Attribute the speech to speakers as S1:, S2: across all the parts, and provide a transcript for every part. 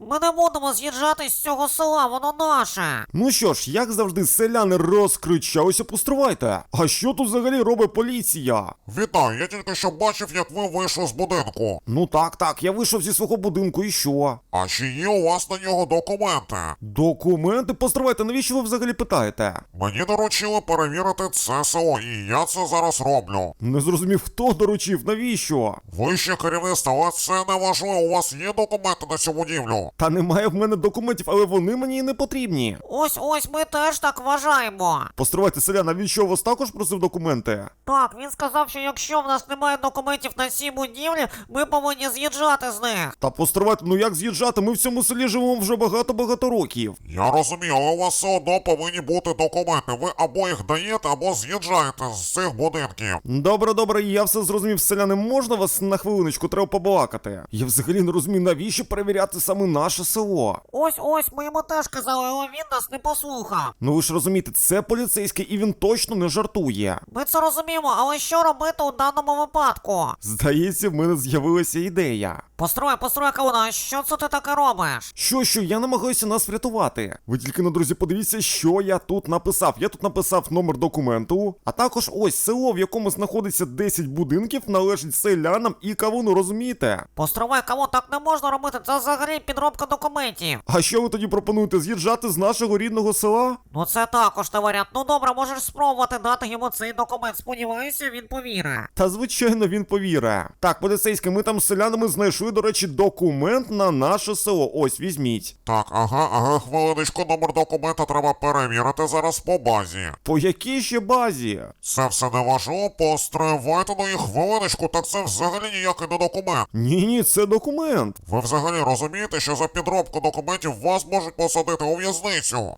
S1: Ми не будемо з'їжджати з цього села, воно наше.
S2: Ну що ж, як завжди, селяни розкричалися, постривайте. А що тут взагалі робить поліція?
S3: Вітаю, я тільки що бачив, як ви вийшли з будинку.
S2: Ну так, я вийшов зі свого будинку і що?
S3: А чи є у вас на нього документи?
S2: Документи? Постривайте, навіщо ви взагалі питаєте?
S3: Мені доручили перевірити це село, і я це зараз роблю.
S2: Не зрозумів, хто доручив, навіщо?
S3: Вище керівництво, але це не важливо, у вас є документи на цю будівлю?
S2: Та немає в мене документів, але вони мені і не потрібні.
S1: Ось ми теж так вважаємо.
S2: Постривайте, селян, а він що, вас також просив документи?
S1: Так, він сказав, що якщо в нас немає документів на цій будівлі, ми повинні з'їжджати з них.
S2: Та постривайте, ну як з'їжджати? Ми в цьому селі живемо вже багато років.
S3: Я розумію, але у вас все одно повинні бути документи. Ви або їх даєте, або з'їжджаєте з цих будинків.
S2: Добре, я все зрозумів, селяни, можна вас на хвилиночку, треба побалакати? Я взагалі не розумію, навіщо перевіряти саме наше село?
S1: Ось, ми йому теж казали, але він нас не послухав.
S2: Ну ви ж розумієте, це поліцейський і він точно не жартує.
S1: Ми це розуміємо, але що робити у даному випадку?
S2: Здається, в мене з'явилася ідея.
S1: Построй, Кавуна, що це ти таке робиш?
S2: Що, я намагаюся нас врятувати. Ви тільки, друзі, подивіться, що я тут написав. Я тут написав номер документу, а також ось село, в якому знаходиться 10 будинків, належить селянам і Кавуну, розумієте?
S1: Постривай, Кавун, так не можна робити, це взагалі підробка документів.
S2: А що ви тоді пропонуєте, з'їжджати з нашого рідного села?
S1: Ну це також не варіант. Ну добре, можеш спробувати дати йому цей документ. Сподіваюся, він повірить.
S2: Та звичайно він повірить. Так, поліцейський, ми там з селянами знайшли, до речі, документ на наше село. Ось, візьміть.
S3: Так, ага, хвилиночку, номер документа треба перевірити зараз по базі.
S2: По якій ще базі?
S3: Це все не важливо, постривайте на їх хвилиночку, так це взагалі ніякий не документ.
S2: Ні, це документ.
S3: Ви взагалі розумієте, що за підробку документів вас можуть посадити у в'язницю?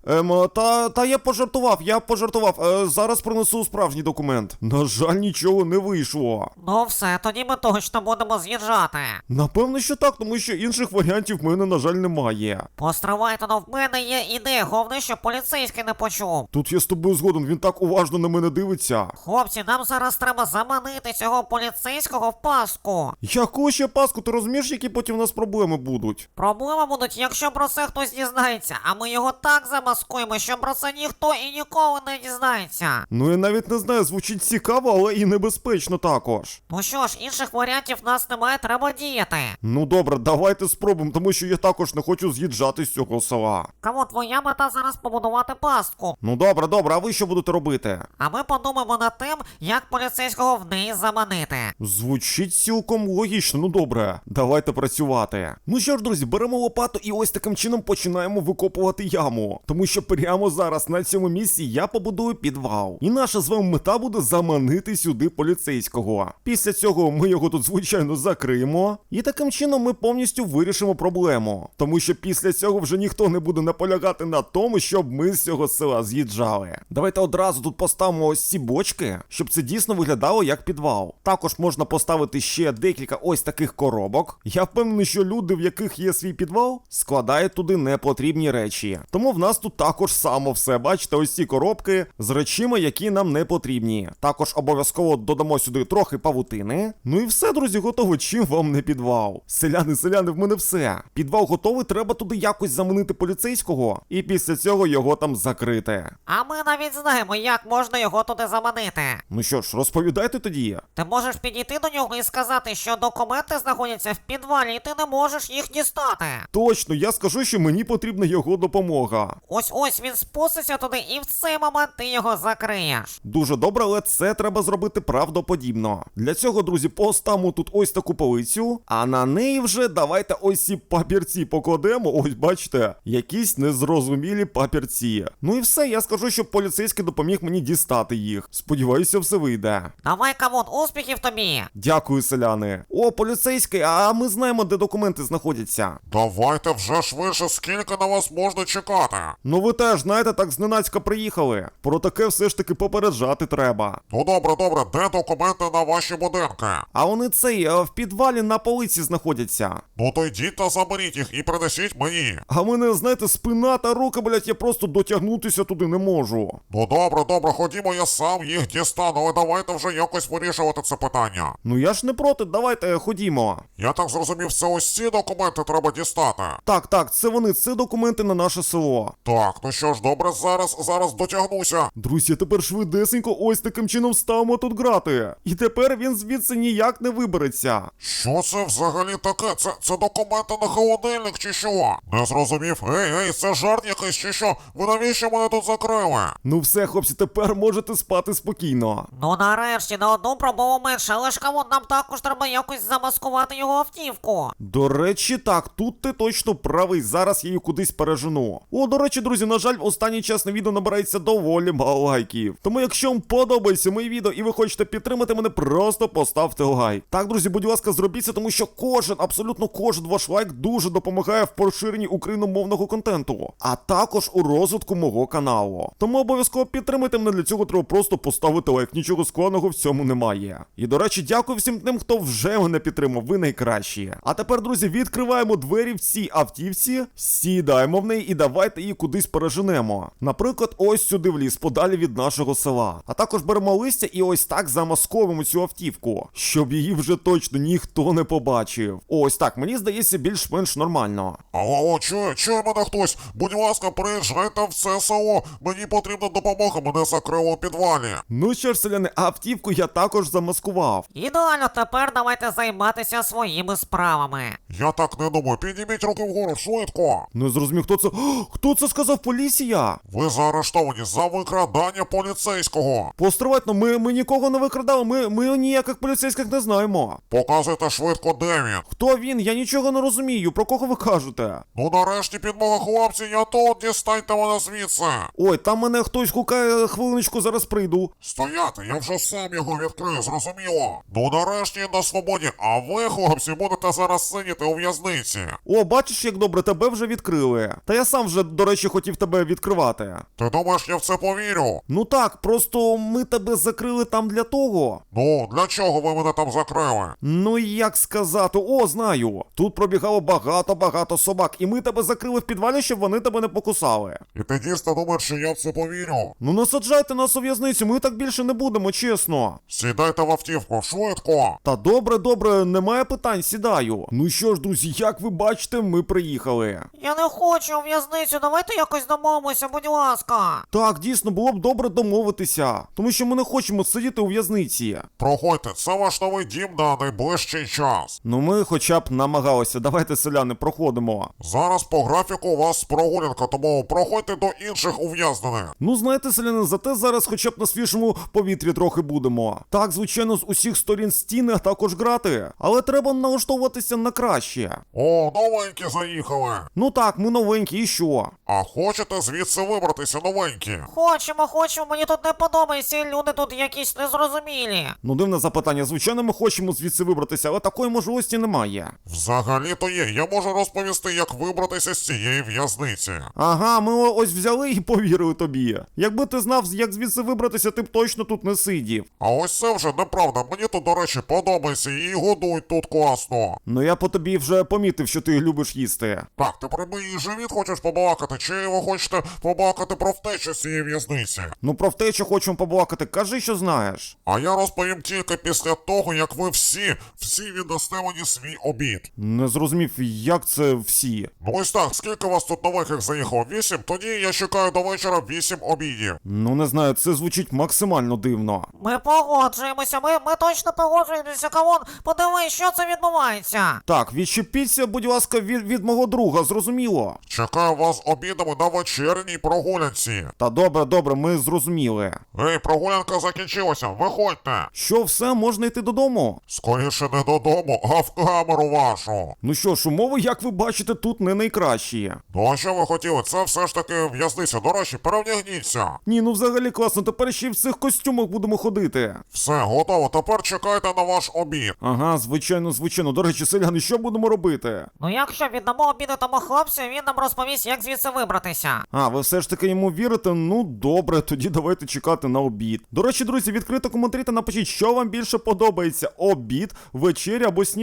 S2: Та я пожартував. Зараз принесу справжній документ. На жаль, нічого не вийшло.
S1: Ну все, тоді ми точно будемо з'їжджати.
S2: Напевно, що так, тому що інших варіантів в мене, на жаль, немає.
S1: Постривайте, но в мене є ідея, головне, щоб поліцейський не почув.
S2: Тут я з тобою згоден, він так уважно на мене дивиться.
S1: Хлопці, нам зараз треба заманити цього поліцейського в пастку.
S2: Яку ще паску, ти розумієш, які потім у нас проблеми будуть?
S1: Проблеми будуть, якщо про це хтось дізнається, а ми його так замаскуємо, що про це ніхто і ніколи не дізнається.
S2: Ну я навіть не знаю, звучить цікаво, але і небезпечно також.
S1: Ну що ж, інших варіантів в нас немає, треба діяти.
S2: Ну добре, давайте спробуємо, тому що я також не хочу з'їжджати з цього села.
S1: Кому твоя мета зараз побудувати пастку?
S2: Ну добре, а ви що будете робити?
S1: А ми подумаємо над тим, як поліцейського в неї заманити.
S2: Звучить цілком логічно, ну добре, давайте працювати. Ну що ж, друзі, беремо лопату і ось таким чином починаємо викопувати яму. Тому що прямо зараз на цьому місці я побудую підвал. І наша з вами мета буде заманити сюди поліцейського. Після цього ми його тут, звичайно, закриємо. І таким чином ми повністю вирішимо проблему. Тому що після цього вже ніхто не буде наполягати на тому, щоб ми з цього села з'їжджали. Давайте одразу тут поставимо ось ці бочки, щоб це дійсно виглядало як підвал. Також можна поставити ще декілька ось таких коробок. Я впевнений, що люди, в яких є свій підвал, складають туди непотрібні речі. Тому в нас тут також само все. Бачите, ось ці коробки з речима, які нам не потрібні. Також обов'язково додамо сюди трохи павутини. Ну і все, друзі, готово. Чим вам не підвал? Селяни, в мене все. Підвал готовий, треба туди якось заманити поліцейського. І після цього його там закрити.
S1: А ми навіть знаємо, як можна його туди заманити.
S2: Ну що ж, розповідайте тоді.
S1: Ти можеш підійти до нього і сказати, що документи знаходяться в підвалі, і ти не можеш їх дістати.
S2: Точно, я скажу, що мені потрібна його допомога.
S1: Ось він спуститься туди, і в цей момент ти його закриєш.
S2: Дуже добре, але це треба зробити правдоподібно. Для цього, друзі, поставимо тут ось таку полицю, а на неї вже давайте ось ці папірці покладемо. Ось, бачите, якісь незрозумілі папірці. Ну і все, я скажу, що поліцейський допоміг мені дістати їх. Сподіваюся, все вийде.
S1: Давай, Кавун, успіхів тобі!
S2: Дякую, селяни. О, поліцейський, а ми знаємо, де документи знаходяться.
S3: Давайте вже швидше, скільки на вас можна чекати.
S2: Ну ви теж, знаєте, так зненацька приїхали. Про таке все ж таки попереджати треба.
S3: Ну добре, де документи на ваші будинки?
S2: А вони в підвалі на полиці автівці знаходяться.
S3: Ну то йдіть та заберіть їх і принесіть мені.
S2: А в мене, знаєте, спина та руки, блядь, я просто дотягнутися туди не можу.
S3: Ну добре, ходімо, я сам їх дістану, але давайте вже якось вирішувати це питання.
S2: Ну я ж не проти, давайте ходімо.
S3: Я так зрозумів, це ось ці документи треба дістати.
S2: Так, це вони, це документи на наше село.
S3: Так, ну що ж, добре, зараз дотягнуся.
S2: Друзі, тепер швидесенько ось таким чином ставимо тут грати. І тепер він звідси ніяк не вибереться.
S3: Що це взагалі таке? Це документи на холодильник чи що? Не зрозумів. Ей, це жарт якийсь чи що? Ви навіщо мене тут закрили?
S2: Ну все, хлопці, тепер можете спати спокійно.
S1: Ну нарешті, на одну пробову менше, але ж кому нам також треба якось замаскувати його автівку.
S2: До речі, так, тут ти точно правий, зараз я її кудись пережену. О, до речі, друзі, на жаль, останній час на відео набирається доволі мало лайків. Тому якщо вам подобається моє відео і ви хочете підтримати мене, просто поставте лайк. Так, друзі, будь ласка, зробіть це, тому що абсолютно кожен ваш лайк дуже допомагає в поширенні україномовного контенту, а також у розвитку мого каналу. Тому обов'язково підтримайте мене, для цього треба просто поставити лайк, нічого складного в цьому немає. І, до речі, дякую всім тим, хто вже мене підтримав, ви найкращі. А тепер, друзі, відкриваємо двері в цій автівці, сідаємо в неї і давайте її кудись переженемо. Наприклад, ось сюди в ліс, подалі від нашого села. А також беремо листя і ось так замасковуємо цю автівку, щоб її вже точно ніхто не побачив. Ось так, мені здається, більш-менш нормально.
S3: Алло, чує мене хтось? Будь ласка, приїжджайте в це село. Мені потрібна допомога, мене закрило у підвалі.
S2: Ну що ж, селяни, автівку я також замаскував.
S1: Ідеально, тепер давайте займатися своїми справами.
S3: Я так не думаю, підніміть руки вгору, швидко.
S2: Не зрозумів, хто це. Хто це сказав? Поліція?
S3: Ви заарештовані за викрадання поліцейського.
S2: Постривайте, ми нікого не викрадали, ми ніяких поліцейських не знаємо.
S3: Показуйте швидко, де він.
S2: Хто він? Я нічого не розумію. Про кого ви кажете?
S3: Ну нарешті, підмога, хлопці, я тут, дістаньте мене звідси.
S2: Ой, там мене хтось гукає, хвилиночку, зараз прийду.
S3: Стояти, я вже сам його відкрию, зрозуміло. Ну нарешті на свободі, а ви, хлопці, будете зараз сидіти у в'язниці.
S2: О, бачиш, як добре, тебе вже відкрили. Та я сам вже, до речі, хотів тебе відкривати.
S3: Ти думаєш, я в це повірю?
S2: Ну так, просто ми тебе закрили там для того.
S3: Ну, для чого ви мене там закрили?
S2: Ну як сказати, о, знаю. Тут пробігало багато собак, і ми тебе закрили в підвалі, щоб вони тебе не покусали.
S3: І ти дійсно думаєш, що я в це повірю?
S2: Ну не саджайте нас у в'язницю, ми так більше не будемо, чесно.
S3: Сідайте в автівку, швидко.
S2: Та добре, немає питань, сідаю. Ну що ж, друзі, як ви бачите, ми приїхали.
S1: Я не хочу у в'язницю, давайте якось домовимося, будь ласка.
S2: Так, дійсно, було б добре домовитися, тому що ми не хочемо сидіти у в'язниці.
S3: Проходьте, це ваш новий дім на найближчий час.
S2: Ну ми хоча б намагалися, давайте, селяни, проходимо.
S3: Зараз по графіку у вас прогулянка, тому проходьте до інших ув'язнених.
S2: Ну знаєте, селяни, зате зараз хоча б на свіжому повітрі трохи будемо. Так, звичайно, з усіх сторін стіни, а також грати, але треба налаштовуватися на краще.
S3: О, новенькі заїхали.
S2: Ну так, ми новенькі, і що?
S3: А хочете звідси вибратися, новенькі?
S1: Хочемо, мені тут не подобається, люди тут якісь незрозумілі.
S2: Ну дивне запитання, звичайно, ми хочемо звідси вибратися, але такої можливості немає.
S3: Взагалі-то є, я можу розповісти, як вибратися з цієї в'язниці.
S2: Ага, ми ось взяли і повірили тобі. Якби ти знав, як звідси вибратися, ти б точно тут не сидів.
S3: А ось це вже неправда, мені тут, до речі, подобається і годують тут класно.
S2: Ну я по тобі вже помітив, що ти любиш їсти.
S3: Так, ти про мій живіт хочеш побалакати, чи ви хочете побалакати про втечу з цієї в'язниці?
S2: Ну про втечу хочемо побалакати, кажи, що знаєш.
S3: А я розповім тільки після того, як ви всі віддасте мені свій обід.
S2: Не зрозумів, як це всі.
S3: Ну ось так, скільки вас тут нових заїхало? 8? Тоді я чекаю до вечора 8 обідів.
S2: Ну не знаю, це звучить максимально дивно.
S1: Ми погоджуємося, ми точно погоджуємося, Кавун, подивись, що це відбувається.
S2: Так, відчепіться, будь ласка, від мого друга, зрозуміло.
S3: Чекаю вас обідами на вечірній прогулянці.
S2: Та добре, ми зрозуміли.
S3: Ей, прогулянка закінчилася, виходьте.
S2: Що, все, можна йти додому?
S3: Скоріше не додому, а в камеру вашу.
S2: Ну що ж, умови, як ви бачите, тут не найкращі.
S3: Ну а що ви хотіли? Це все ж таки в'язниця. До речі, перевдягніться.
S2: Ні, ну взагалі класно, тепер ще й в цих костюмах будемо ходити.
S3: Все, готово, тепер чекайте на ваш обід.
S2: Ага, звичайно. До речі, селяни, що будемо робити?
S1: Ну якщо віддамо обіду тому хлопцю, він нам розповість, як звідси вибратися.
S2: А, ви все ж таки йому вірите? Ну добре, тоді давайте чекати на обід. До речі, друзі, відкрито коментарі та напишіть, що вам більше подобається: обід, вечеря або сніданок.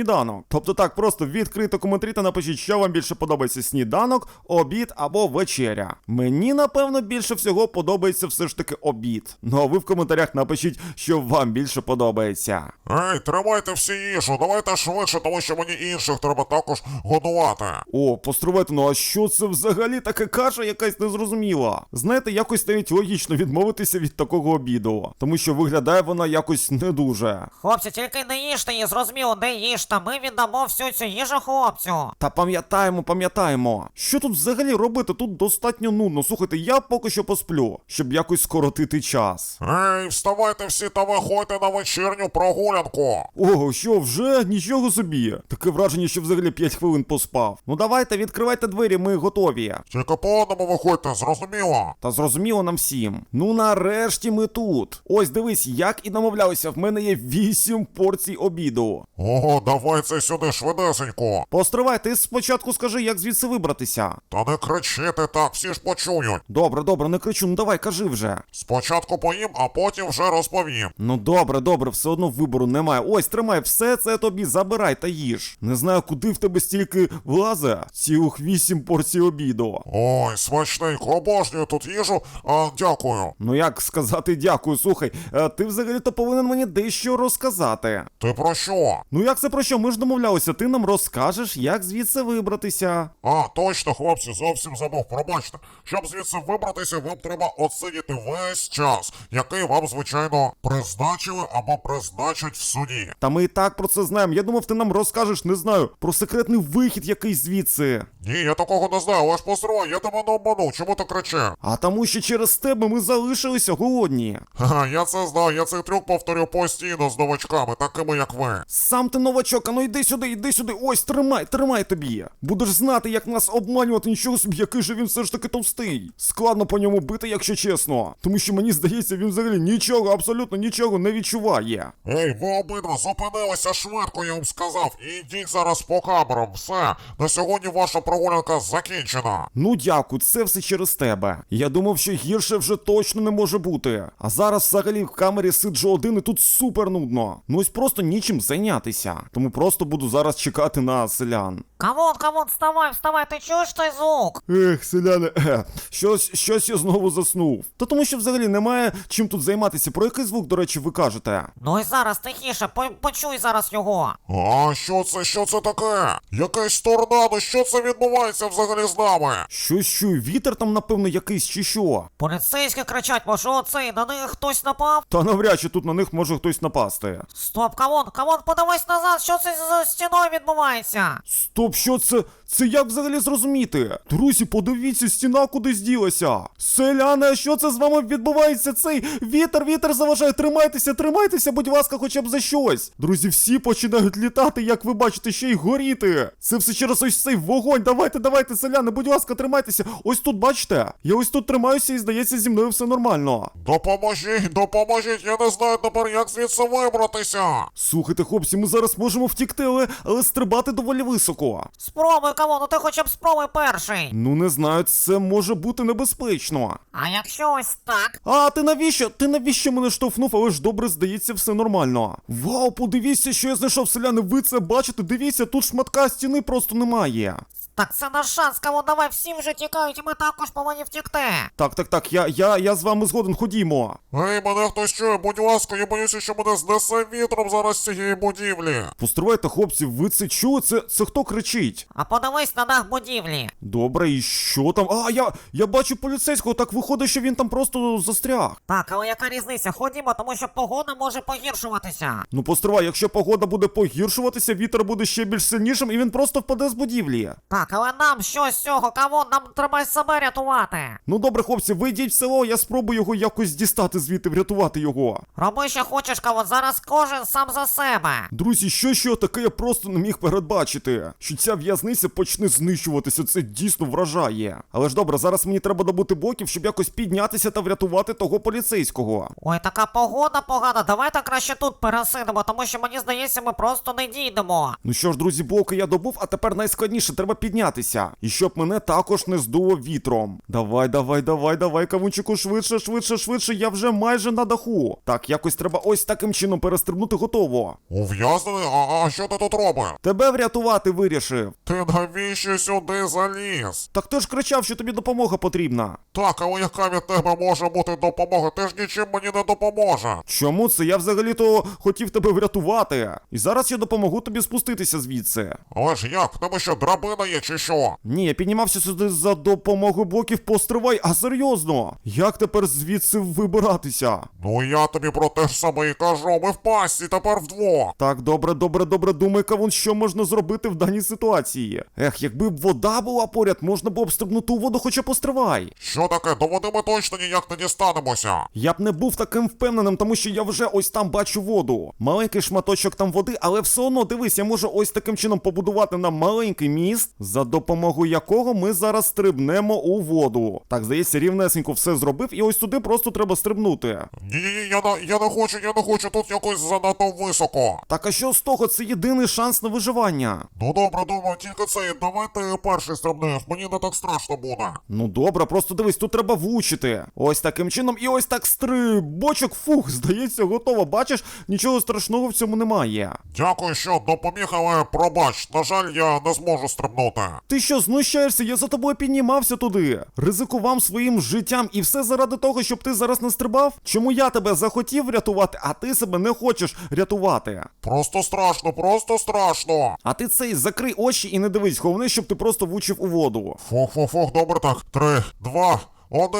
S2: сніданок. Тобто так, просто відкрито коментарі та напишіть, що вам більше подобається: сніданок, обід або вечеря. Мені, напевно, більше всього подобається все ж таки обід. Ну а ви в коментарях напишіть, що вам більше подобається.
S3: Ей, тримайте всі їжу, давайте швидше, тому що мені інших треба також годувати.
S2: О, постривайте, ну а що це взагалі така каша якась незрозуміла? Знаєте, якось навіть логічно відмовитися від такого обіду, тому що виглядає вона якось не дуже.
S1: Хлопці, тільки не їжте її, зрозуміло, не їжте, ми віддамо всю цю їжу хлопцю.
S2: Та пам'ятаємо. Що тут взагалі робити? Тут достатньо нудно. Слухайте, я поки що посплю, щоб якось скоротити час.
S3: Ей, вставайте всі та виходьте на вечірню прогулянку.
S2: Ого, що вже? Нічого собі. Таке враження, що взагалі 5 хвилин поспав. Ну давайте, відкривайте двері, ми готові.
S3: Тільки по одному виходьте, зрозуміло?
S2: Та зрозуміло нам всім. Ну нарешті ми тут. Ось дивись, як і домовлялися, в мене є 8 порцій обіду.
S3: Ого, давай це сюди швидесенько.
S2: Постривай, ти спочатку скажи, як звідси вибратися.
S3: Та не кричити так, всі ж почують.
S2: Добре, не кричу, ну давай, кажи вже.
S3: Спочатку поїм, а потім вже розповім.
S2: Ну добре, все одно вибору немає. Ось, тримай, все це тобі забирай та їж. Не знаю, куди в тебе стільки влазе. Цілих 8 порцій обіду.
S3: Ой, смачненько, обожнюю тут їжу, дякую.
S2: Ну як сказати дякую, слухай, ти взагалі-то повинен мені дещо розказати.
S3: Ти про що?
S2: Ну як це про що? Ми ж домовлялися, ти нам розкажеш, як звідси вибратися.
S3: Точно, хлопці, зовсім забув, пробачте. Щоб звідси вибратися, вам треба отсидіти весь час, який вам, звичайно, призначили або призначать в суді.
S2: Та ми і так про це знаємо. Я думав, ти нам розкажеш, не знаю, про секретний вихід якийсь звідси.
S3: Ні, я такого не знаю, але ж посрой, я тебе не обманув, чому ти кричиш?
S2: А тому, що через тебе ми залишилися голодні.
S3: Ха, я це знаю, я цей трюк повторю постійно з новачками, такими як ви.
S2: Сам ти новачок, а ну йди сюди, ось, тримай тобі. Будеш знати, як нас обманювати, нічого собі, який же він все ж таки товстий. Складно по ньому бити, якщо чесно. Тому що мені здається, він взагалі нічого, абсолютно нічого не відчуває.
S3: Ей, ви обидва зупинилися швидко, я вам сказав, і йдіть зараз по камерам, все, на сьогодні ваша прогулянка закінчена.
S2: Ну дякую, це все через тебе. Я думав, що гірше вже точно не може бути. А зараз взагалі в камері сиджу один і тут супер нудно. Ну ось просто нічим зайнятися. Тому просто буду зараз чекати на селян.
S1: Камон, вставай, ти чуєш той звук?
S2: Ех, селяни, щось я знову заснув. Та тому що взагалі немає чим тут займатися. Про який звук, до речі, ви кажете?
S1: Ну і зараз тихіше, почуй зараз його.
S3: А що це таке? Якесь торнадо, що це відбувається взагалі з нами?
S2: Щось чую, вітер там, напевно, якийсь чи що?
S1: Поліцейські кричать, може оцей, на них хтось напав?
S2: Та навряд чи тут на них може хтось напасти.
S1: Стоп, камон, подивись назад, що це за стіною відбувається?
S2: Стоп, що це? Це як взагалі зрозуміти? Друзі, подивіться, стіна кудись ділася. Селяни, а що це з вами відбувається? Цей вітер заважає. Тримайтеся, будь ласка, хоча б за щось. Друзі, всі починають літати, як ви бачите, ще й горіти. Це все через ось цей вогонь. Давайте, селяни, будь ласка, тримайтеся. Ось тут, бачите? Я ось тут тримаюся і, здається, зі мною все нормально.
S3: Допоможіть, я не знаю тепер, як звідси вибратися.
S2: Слухайте, хлопці, ми зараз можемо втікти, але стрибати доволі високо.
S1: Спробуй, камон, ну ти хоча б спробуй перший.
S2: Ну не знаю, це може бути небезпечно.
S1: А якщо ось так?
S2: А, ти навіщо? Ти навіщо мене штовхнув? Але ж добре, здається, все нормально. Вау, подивіться, що я знайшов, селяни, ви це бачите? Дивіться, тут шматка стіни просто немає.
S1: Так це наш шанс, камон, давай, всі вже тікають, і ми також повинні втікти.
S2: Так, я з вами згоден, ходімо.
S3: Ей, мене хтось чує, будь ласка, я боюся, що мене знесе вітром зараз з цієї будівлі.
S2: Постривайте, хлопці, ви це чули? Це хто кричить?
S1: А подивись на дах будівлі.
S2: Добре, і що там? А, я бачу поліцейського, так виходить, що він там просто застряг.
S1: Так, але яка різниця? Ходімо, тому що погода може погіршуватися.
S2: Ну постривай, якщо погода буде погіршуватися, вітер буде ще більш сильнішим і він просто впаде з будівлі.
S1: Так, але нам що з цього, камон, нам треба себе рятувати.
S2: Ну добре, хлопці, ви йдіть в село, я спробую його якось дістати звідти, врятувати його.
S1: Роби, що хочеш, камон, зараз кожен сам за себе.
S2: Друзі, що таке я просто не міг передбачити. Що ця в'язниця почне знищуватися, це дійсно вражає. Але ж добре, зараз мені треба добути блоків, щоб якось піднятися та врятувати того поліцейського.
S1: Ой, така погода погана, давайте краще тут пересидимо, тому що мені здається, ми просто не дійдемо.
S2: Ну що ж, друзі, блоки я добув, а тепер найскладніше, треба піднятися піднятися. І щоб мене також не здуло вітром. Давай, кавунчику, швидше, я вже майже на даху. Так, якось треба ось таким чином перестрибнути, готово.
S3: Ув'язнений? А що ти тут робиш?
S2: Тебе врятувати вирішив.
S3: Ти навіщо сюди заліз?
S2: Так ти ж кричав, що тобі допомога потрібна.
S3: Так, але яка від тебе може бути допомога? Ти ж нічим мені не допоможе.
S2: Чому це? Я взагалі-то хотів тебе врятувати. І зараз я допомогу тобі спуститися звідси.
S3: Але ж як? В тебе що, драбина є чи що?
S2: Ні, я піднімався сюди за допомогою блоків, постривай, а серйозно? Як тепер звідси вибиратися?
S3: Ну я тобі про те ж саме і кажу, ми в пастці тепер вдвох.
S2: Так, добре, думай, кавун, що можна зробити в даній ситуації. Ех, якби б вода була поряд, можна було б стрибнути у воду, хоча постривай.
S3: Що таке? До води ми точно ніяк не дістанемося.
S2: Я б не був таким впевненим, тому що я вже ось там бачу воду. Маленький шматочок там води, але все одно, дивись, я можу ось таким чином побудувати нам маленький міст, за допомогою якого ми зараз стрибнемо у воду. Так, здається, рівнесенько все зробив, і ось туди просто треба стрибнути.
S3: Ні, я не хочу, тут якось занадто високо.
S2: Так, а що з того? Це єдиний шанс на виживання.
S3: Ну добре, думаю, тільки це, давай ти перший стрибнеш, мені не так страшно буде.
S2: Ну добре, просто дивись, тут треба влучити. Ось таким чином і ось так стрибочок, фух, здається, готово. Бачиш, нічого страшного в цьому немає.
S3: Дякую, що допоміг, але пробач, на жаль, я не зможу стрибнути.
S2: Ти що, знущаєшся? Я за тобою піднімався туди. Ризикував своїм життям і все заради того, щоб ти зараз не стрибав? Чому я тебе захотів врятувати, а ти себе не хочеш рятувати?
S3: Просто страшно.
S2: А ти цей закрий очі і не дивись, головне, щоб ти просто влучив у воду.
S3: Фух, добре так. 3, 2, 1.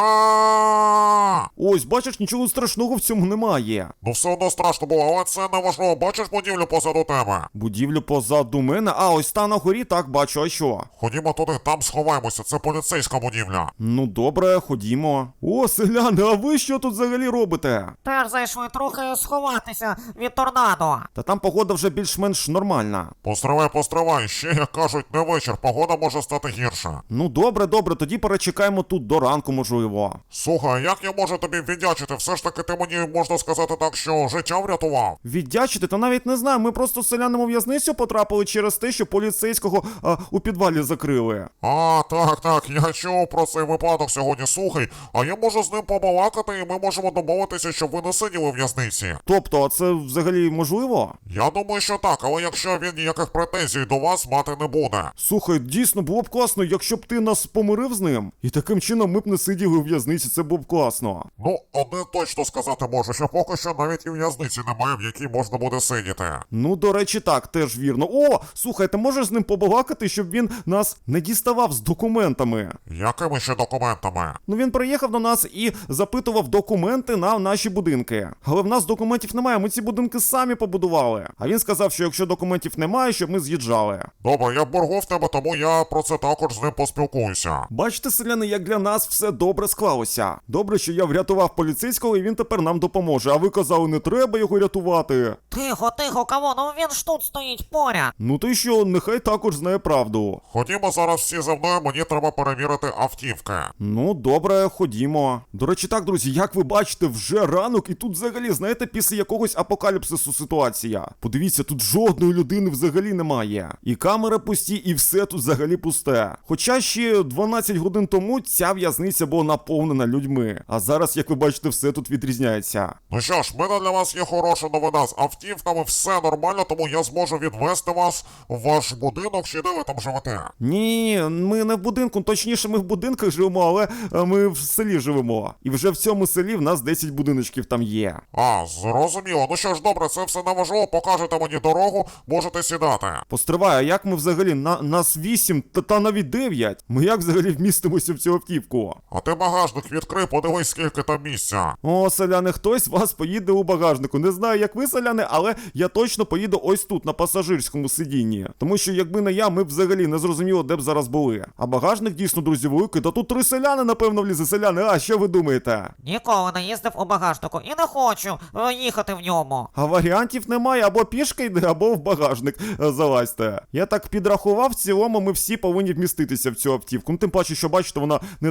S2: Ось, бачиш, нічого страшного в цьому немає.
S3: Ну все одно страшно було, але це не важливо. Бачиш будівлю позаду тебе?
S2: Будівлю позаду мене? А, ось та на горі, так, бачу, а що?
S3: Ходімо туди, там сховаємося, це поліцейська будівля.
S2: Ну добре, ходімо. О, селяни, а ви що тут взагалі робите?
S1: Теж зайшли трохи сховатися від торнадо.
S2: Та там погода вже більш-менш нормальна.
S3: Постривай, ще, як кажуть, не вечір, погода може стати гірша.
S2: Ну добре, тоді перечекаємо тут до ранку, можливо.
S3: Слухай, як я можу тобі віддячити? Все ж таки ти мені, можна сказати так, що життя врятував.
S2: Віддячити? Та навіть не знаю, ми просто з селянами у в'язницю потрапили через те, що поліцейського у підвалі закрили.
S3: А, так, я чув про цей випадок сьогодні. Слухай, а я можу з ним побалакати, і ми можемо домовитися, щоб ви не сиділи в в'язниці.
S2: Тобто, а це взагалі можливо?
S3: Я думаю, що так, але якщо він ніяких претензій до вас мати не буде.
S2: Слухай, дійсно, було б класно, якщо б ти нас помирив з ним, і таким чином ми б не сиділи у в'язниці, це було б класно.
S3: Ну, одне точно сказати можу, що поки що навіть і в'язниці немає, в якій можна буде сидіти.
S2: Ну, до речі, так, теж вірно. О, слухай, ти можеш з ним побалакати, щоб він нас не діставав з документами?
S3: Якими ще документами?
S2: Ну, він приїхав до нас і запитував документи на наші будинки. Але в нас документів немає, ми ці будинки самі побудували. А він сказав, що якщо документів немає, щоб ми з'їжджали.
S3: Добре, я в боргу в тебе, тому я про це також з ним поспілкуюся.
S2: Бачите, селяни, як для нас все добре склалося. Добре, що я врятував поліцейського і він тепер нам допоможе. А ви казали, не треба його рятувати.
S1: Тихо, кого? Ну він ж тут стоїть поряд.
S2: Ну ти що, нехай також знає правду.
S3: Ходімо зараз всі за мною, мені треба перевірити автівки.
S2: Ну, добре, ходімо. До речі, так, друзі, як ви бачите, вже ранок, і тут взагалі, знаєте, після якогось апокаліпсису ситуація. Подивіться, тут жодної людини взагалі немає. І камери пусті, і все тут взагалі пусте. Хоча ще 12 годин тому ця в'язниця була наповнена людьми. А зараз, як ви бачите, все тут відрізняється.
S3: Ну що ж, в мене для вас є хороша новина. З автівками все нормально, тому я зможу відвести вас в ваш будинок, чи де ви там живете.
S2: Ні, ми не в будинку, точніше, ми в будинках живемо, але ми в селі живемо. І вже в цьому селі в нас 10 будиночків там є.
S3: А, зрозуміло. Ну що ж, добре, це все не важливо, покажете мені дорогу, можете сідати.
S2: Постривай, а як ми взагалі? Нас 8, та навіть 9. Ми як взагалі вмістимося в цю автівку?
S3: А ти багажник відкрий, подивись, скільки там місця.
S2: О, селяни, хтось з вас поїде у багажнику. Не знаю, як ви, селяни, але я точно поїду ось тут, на пасажирському сидінні. Тому що, якби не я, ми б взагалі не зрозуміло, де б зараз були. А багажник дійсно, друзі, великий. Та тут 3 селяни, напевно, влізе. Селяни, а що ви думаєте?
S1: Ніколи не їздив у багажнику і не хочу їхати в ньому.
S2: А варіантів немає, або пішки йде, або в багажник залазьте. Я так підрахував, в цілому ми всі повинні вміститися в цю автівку. Ну, тим паче, що бачите, вона не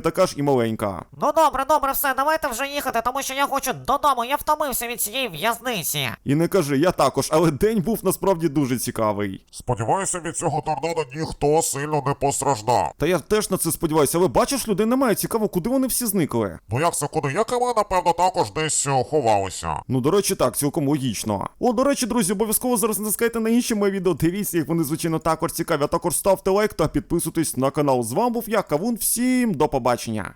S2: така ж і маленька.
S1: Ну добре, все, давайте вже їхати, тому що я хочу додому, я втомився від цієї в'язниці.
S2: І не кажи, я також, але день був насправді дуже цікавий.
S3: Сподіваюся, від цього торнадо ніхто сильно не постраждав.
S2: Та я теж на це сподіваюся, але бачиш, людей немає, цікаво, куди вони всі зникли.
S3: Ну як це куди? Як і ми, напевно, також десь ховалися.
S2: Ну, до речі, так, цілком логічно. О, до речі, друзі, обов'язково зараз натискайте на інші мої відео, дивіться їх, вони, звичайно, також цікаві, а також ставте лайк та підписуйтесь на канал. З вами був я, Кавун, всім до побачення.